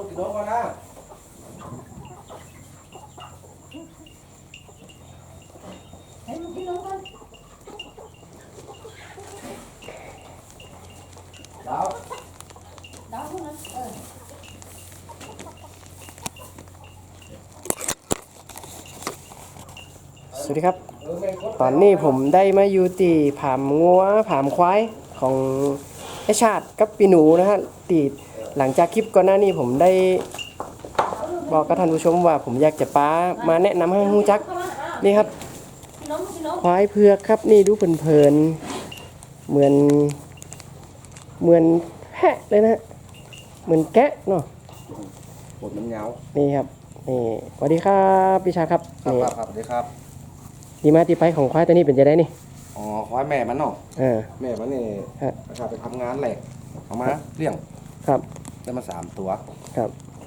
กินนมก่อนนะให้ลูกกินนมก่อนดาวดาวพวกนั้นสวัสดีครับ ตอนนี้ผมได้มาอยู่ที่ผามงัวผามควายของไอชาติกับปีหนูนะฮะตีหลังจากคลิปก่อนหน้านี้ผมได้บอกกับท่านผู้ชมว่าผมอยากจะป้ามาแนะนำให้ฮู้จักนี่ครับควายเผือกครับนี่ดูเพลินๆเหมือนแพะเลยนะฮะเหมือนแกะเนาะปวดมันเงานี่ครับนี่สวัสดีครับพี่ชาครับครับนี่ครับสวัสดีครับที่มาที่ไปของควายตัวนี้เป็นจะได้นี่อ๋อควายแม่มันเนาะ แม่มันนี่ฮะนะครับไปทำงานแหลกเอามาเลี้ยงครับได้มา3 ตัวครับ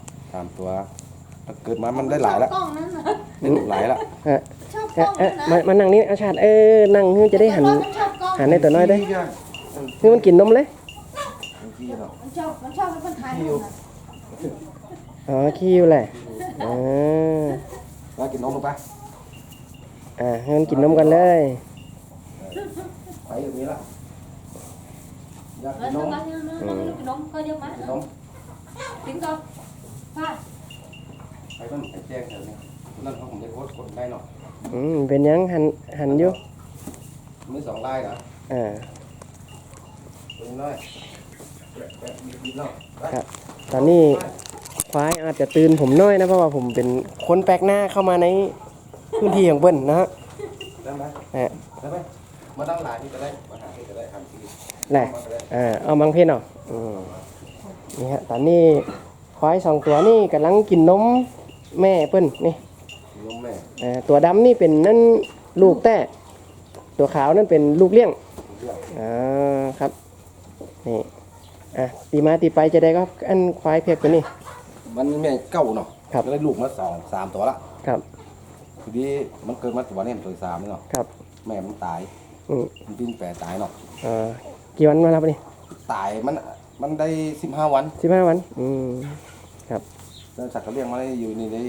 3 ตัวเกิดมามันได้หลายแล้วกล้องนั้นนะได้ลูกหลายแล้วฮะชอบกล้องนั้นนะมานั่งนี่อาชาตินั่งจะได้หันมันชอบกล้องหันในตัวน้อยได้คือมันกินนมเลยพี่เนาะมันชอบให้คนถ่ายรูปนะอ๋อคิวแหละอ่าแล้วกินนมลงไปให้มันกินนมกันเลยไปอย่างนี้ละอยากแล้กิวนนมน้องกินนมก็เดี๋ยวมากินนมกินก่อนป้าไปต้นไข่แจ้งแถวนี้นั่นเขาผมจะโพสต์กดได้เนาะเป็นยังหันอยู่มือ2 ลายเหรออ่าเป็นน้อยแบบมีเนาะครับตอนนี้ควายอาจจะตื่นผมน้อยนะเพราะว่าผมเป็นคนแปลกหน้าเข้ามาในพื้นที่ของเบิ้ลนะฮะได้ไหม ได้ไหมมาตั้งหลายที่จะได้มาหาที่จะได้ทำทีแหละเอาบางเพศเนาะนี่ฮะตอนนี้ควาย2 ตัวนี่กำลังกินนมแม่เปิ้นนี่นมแม่ตัวดำนี่เป็นนั่นลูกแต้ตัวขาวนั่นเป็นลูกเลี้ยงเรื่องครับนี่ตีมาตีไปจะได้ก็อันควายเพียกตัวนี้มันแม่เก่าเนาะครับก็ได้ลูกมา3 ตัวละครับทีนี้มันเกิดมาตัวนี้ตัวที่ 3นี่เนาะครับแม่มันตาย มันปิ้นแปรตายเนาะกี่วันมาแล้วปะนี่ตายมันได้15 วัน 15 วันแล้วสัตว์ก็เลี้ยงมาได้อยู่นี่ได้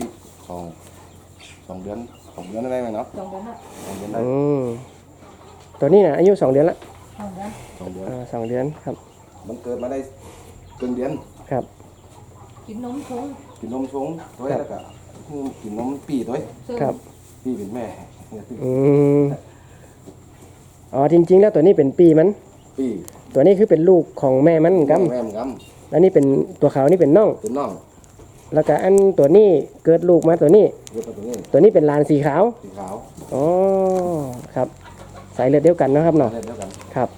2 เดือน2 เดือนได้ไหมเนาะสองเดือนละ 2 เดือนได้ตัวนี้นะอายุ2 เดือนละสองเดือน 2 เดือน 2 เดือนครับมันเกิดมาได้เกินเดือนครับกินนมชงกินนมชงด้วยแล้วก็กินนมปีด้วยครับปีเป็นแม่จริงๆแล้วตัวนี้เป็นปีมันปีตัวนี้คือเป็นลูกของแม่มันกัมแม่มันกแล้วนี่เป็นตัวขาวนี่เป็นน้องำเป็นน้องแล้วก็อันตัวนี้เกิดลูกมาตัวนี้เรียกว่าตัวนี้ตัวนี้เป็นลานสีขาวสีขาวอ๋อครับสายเลือดเดียวกันนะครับเนาะเดียวกันครับ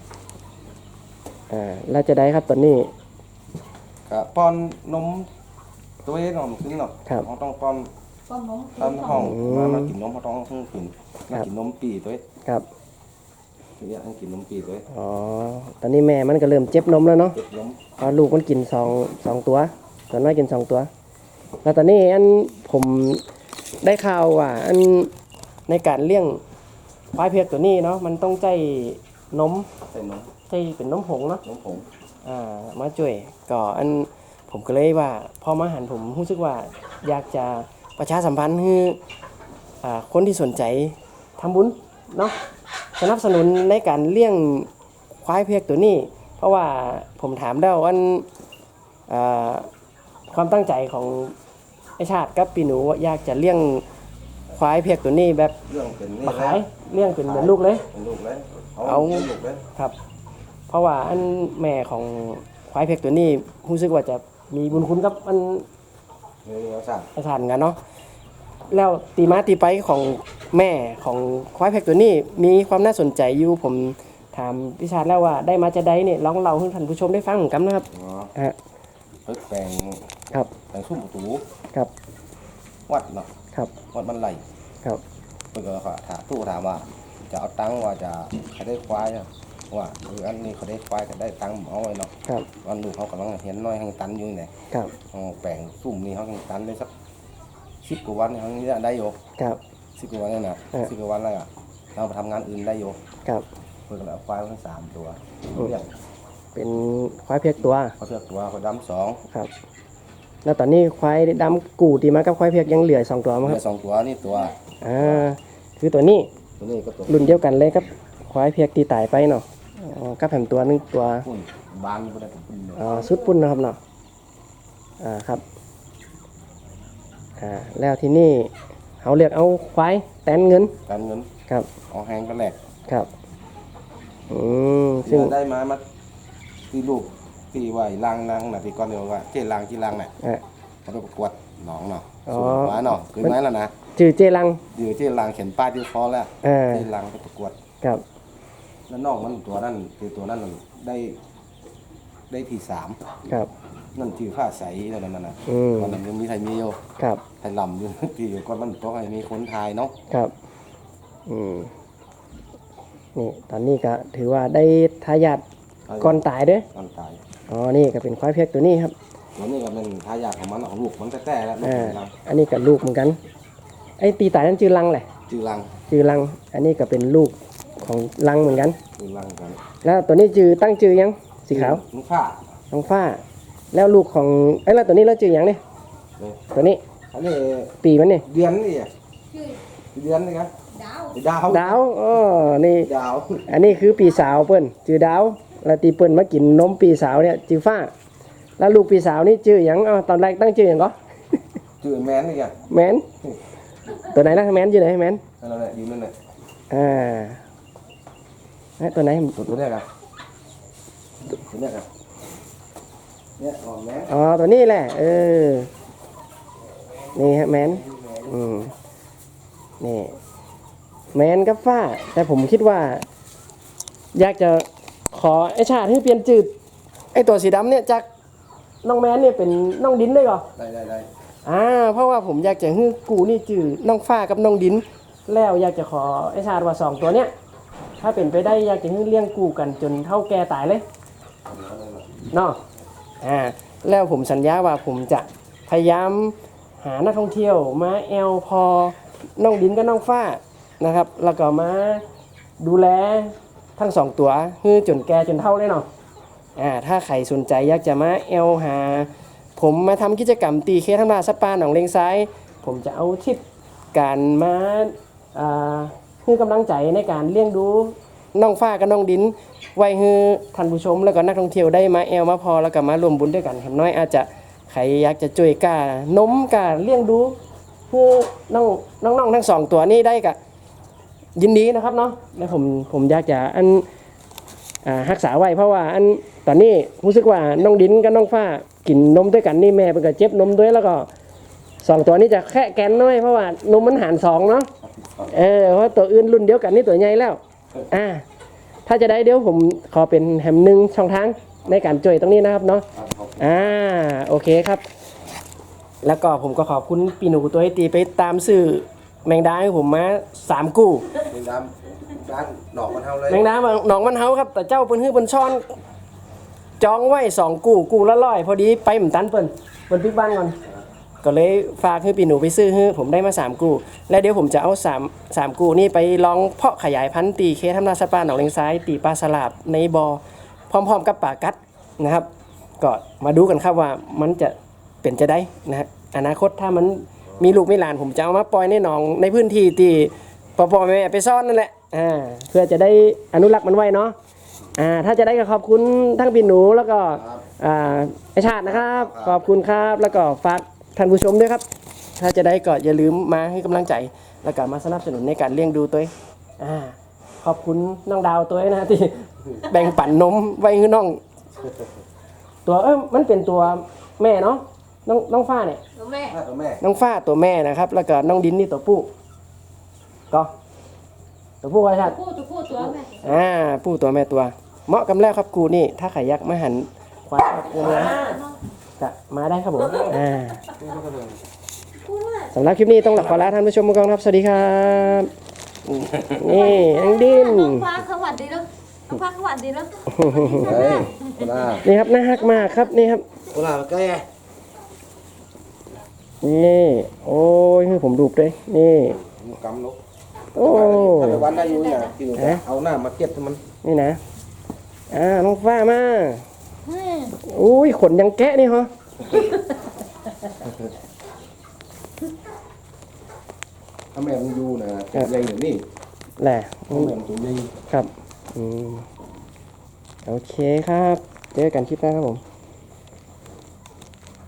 แล้วจะได้ครับตัวนี้ก็ป้อนนมตัวเองนมขึ้นเนาะครับเขาต้องป้อนป้อนนมตามห้องมากินนมเขาต้องกินมากินนมปีตัวเองครับเนี่ยให้กินนมปีตัวเองตอนนี้แม่มันก็เริ่มเจ็บนมแล้วเนาะเจ็บนมเพราะลูกมันกินสองตัวตัวน้อยกิน2 ตัว แล้วตอนนี้อันผมได้ข่าวว่าอันในการเลี้ยงควายเผือกตัวนี้เนาะมันต้องใจนมใส่นมใจเป็นนมผงเนาะนมผงมาช่วยก็อันผมก็เลยว่าพอมาหันผมรู้สึกว่าอยากจะประชาสัมพันธ์ให้คนที่สนใจทำบุญเนาะสนับสนุนในการเลี้ยงควายเผือกตัวนี้ เพราะว่าผมถามแล้วว่าความตั้งใจของไอชาติกับปีหนูว่าอยากจะเลี้ยงควายเผือกตัวนี้แบบเรื่องเป็นนี่มาขายเลี้ยงเป็นเหมือนลูกเลยเป็นลูกเลยเอาลูกเลยครับ เพราะว่าอันแม่ของควายเผือกตัวนี้รู้สึกว่าจะมีบุญคุณกับอันนี่เราสั่งไอชาติเหมือนกันเนาะแล้วตีมาตีไปของแม่ของควายเผือกตัวนี้มีความน่าสนใจอยู่ผมถามพี่ชาติแล้วว่าได้มาจะได้เนี่ยลองเล่าให้ท่านผู้ชมได้ฟังเหมือนกันนะครับอ๋อฮะเพิ่งแปลงครับแปลงซุ่มประตูครับวัดเนาะครับวัดมันไหลครับเพิ่นก็ถามว่าจะเอาตังค์ว่าจะใครได้ควายอะว่าอันนี้เขาได้ควายก็ได้ตังค์เอาไว้เนาะครับวันลูกเขากำลังเห็นน้อยให้ตันอยู่เนี่ยครับแปลงซุ่มนี่เขาให้ตันได้สัก10 กว่าวันเขานี่ได้อยู่ครับ 10 กว่าวันนี่นะ 10 กว่าวันแล้วอ่ะเราไปทำงานอื่นได้อยู่ครับเพิ่นก็เลยเอาควายมา3 ตัวเลี้ยงเป็นควายเผือกตัวเขาเลือกตัวเขาดำ2 ครับแล้วตอนนี้ควายดำกูตีมากับควายเผือกยังเหลือ2ตัวมั้งเหคลืรัอบ 2ตัวนี่ตัวคือตัวนี้ตัวนี้ก็ตัวรุ่นเดียวกันเลยครับควายเผือกตีตายไปเนาะกับแผมตัวนึงตัวปุ่นบานก็ได้ปุ่นเลยสุดปุ่นนะครับเนาะครับแล้วที่นี่เขาเรียกเอาควายแตนเงินการเงินครับเอาแห้งก็แหลกครับซึ่ซึ่งงได้มาที่ลูกที่ว่าล้างนางน่ะที่ก่อนเดียวว่าเจ๊ล้างที่ล้างน่ะอ่ะเขาไปประกวดหนองเนาะอ๋อสูงมาเนาะคือไม้แล้วนะจือเจรังเดี๋ยวเจ๊ล้างเขียนป้ายที่คอแล้วอ่าเจ๊ล้างไปประกวดครับแล้วน้องมันตัวนั้นคือตัวนั้นได้ที่3 ครับนั่นที่ผ้าใสแล้วนั่นน่ะ ตอนนั้นยังมีไทยมีอยู่ครับไทยลำอยู่ ที่อยู่ก่อนมันต้องให้มีคนไทยเนาะครับนี่ตอนนี้ก็ถือว่าได้ทายาทก่อนตายเด้อก่อนตายนี่ก็เป็นควายเผือกตัวนี้ครับตัวนี้ก็เป็นทายาทของมันของลูกมันแต่แล้วลูกเป็นลังอันนี้ก็ลูกเหมือนกัน ไอ้ตีตายนั่นจือลังแหละจือลังจือลัง อันนี้ก็เป็นลูกของลังเหมือนกันจือลังกันแล้วตัวนี้จือตั้งจือยังสีขาวลูกผ้าน้องฟ้า แล้วลูกของแล้วตัวนี้แล้วจือยังเนี่ยเนี่ยตัวนี้อันนี้ปีมันเนี่ยเดือนนี่อ่ะชื่อเดือนนี่ครับดาวดาวดาวนี่ดาวอันนี้คือปีสาวเปิ้นจือดาวแล้วตีเปิ้นมากินนมปีสาวเนี่ยจือฟ้า แล้วลูกปีสาวนี่จือหยังตอนแรกตั้งจือหยังก็จือแมนนี่อ่ะแมนตัวไหนนะแมนอยู่ไหนแมนนั่นแหละยืนนั่นแหละตัวไหนตัวเนี้ยครับตัวเนี้ยครับเนี่ยอ๋อแมนตัวนี้แหละนี่ฮะแมนนี่แมนกับฟ้า แต่ผมคิดว่า อยากจะขอไอชาติให้เปลี่ยนจืดไอตัวสีดำเนี่ยจากน้องแมนเนี่ยเป็นน้องดินได้ก่อได้เพราะว่าผมอยากจะให้กูนี่จืดน้องฟ้ากับน้องดิน แล้วอยากจะขอไอชาติว่า2ตัวเนี้ยถ้าเป็นไปได้อยากจะให้เลี้ยงกูกันจนเท่าแก่ตายเลยเนาะแล้วผมสัญญาว่าผมจะพยายามหานักท่องเที่ยวมาแอลพอน้องดินกับน้องฟ้านะครับ แล้วก็มาดูแลทั้ง2ตัวให้จนแก่จนเท่าเลยเนาะถ้าใครสนใจอยากจะมาแอลหาผมมาทำกิจกรรมตีเคทั้งมาสปาหนองเลงซ้ายผมจะเอาทิปการมาให้กำลังใจในการเลี้ยงดูน้องฟ้ากับน้องดินไว้ให้ท่านผู้ชมแล้วก็นักท่องเที่ยวได้มาแอลมาพอแล้วก็มารวมบุญด้วยกันเห็นน้อยอาจจะใครอยากจะช่วยกานมกาเลี้ยงดูให้น้องทั้ง2ตัวนี้ได้ก็ยินดีนะครับเนาะแล้วผมอยากจะรักษาไว้เพราะว่าตอนนี้รู้สึกว่าน้องดินกับน้องฟ้ากินนมด้วยกันนี่แม่เป็นก็เจ็บนมด้วยแล้วก็2ตัวนี้จะแค่แกนน้อยเพราะว่านมมันหาร2เนาะเพราะตัวอื่นรุ่นเดียวกันนี่ตัวใหญ่แล้วถ้าจะได้เดี๋ยวผมขอเป็นแฮมหนึ่งช่องทางในการจ่วยตรงนี้นะครับเนาะโอเคครับ แล้วก็ผมก็ขอบคุณปีหนูตัวให้ตีไปตามซื้อแมงดาให้ผมมา3กู้เป็นดำด้านหนอกมันเท่าเลยแมงดาหนองมันเฮาครับแต่เจ้าเปิ้นฮื้อเปิ้นซ่อนจองไว้2กู้ละ100พอดีไปหมตันเปิ้นปิดบ้านก่อนก็เลยฝากให้ปีหนูไปซื้อให้ผมได้มา3กู้และเดี๋ยวผมจะเอา3กู้นี่ไปลองเพาะขยายพันธุ์ตีเคทำนาสปาหนองเลงซ้ายตีปลาสลาบในบ่อพร้อมๆกับปลากัดนะครับก็มาดูกันครับว่ามันจะเป็นจะได้นะฮะอนาคตถ้ามันมีลูกมีหลานผมจะเอามาปล่อยในหนองในพื้นที่ที่พ่อแม่ไปซ่อนนั่นแหละเพื่อจะได้อนุรักษ์มันไว้เนาะถ้าจะได้ก็ขอบคุณทั้งพี่หนูแล้วก็ไอชาตินะครับขอบคุณครับแล้วก็ฝากท่านผู้ชมด้วยครับถ้าจะได้ก็อย่าลืมมาให้กำลังใจแล้วก็มาสนับสนุนในการเลี้ยงดูตัวขอบคุณน้องดาวตัวนะที่แบ่งปันนมไว้ให้น้องตัวมันเป็นตัวแม่เนาะน้องฟ้าเนี่ยตัวแม่ตัวแม่น้องฟ้าตัวแม่นะครับ แล้วก็น้องดินนี่ตัวผู้ก็ตัวผู้ไว้ชัดตัวผู้ตัวแม่ผู้ตัวแม่ตัวเหมาะกับแล้วครับกูนี่ถ้าใครอยากมาหันควายกูนะจะมาได้ครับผมสำหรับคลิปนี้ต้องขอลาท่านผู้ชมก่อนครับสวัสดีครับนี่น้องดินน้องฟ้าสวัสดีแล้วน้องฟ้าสวัสดีแล้วเฮ้ยโคลานี่ครับน่าฮักมากครับนี่ครับโคลาใกล้นี่โอ้ยให้ผมดูบด้วยนี่กำลูกโอ้ถ้าไปวันได้อยู่เนี่ยกินเอาหน้ามาเก็บมันนี่นะน้องฟ้ามาอุ้ยขนยังแกะนี่เหรอถ้าแม่มึงอยู่นะใหญ่อย่างนี้แหละถ้าแม่มึงตัวใหญ่ครับโอเคครับเจอกันคลิปหน้าครับผม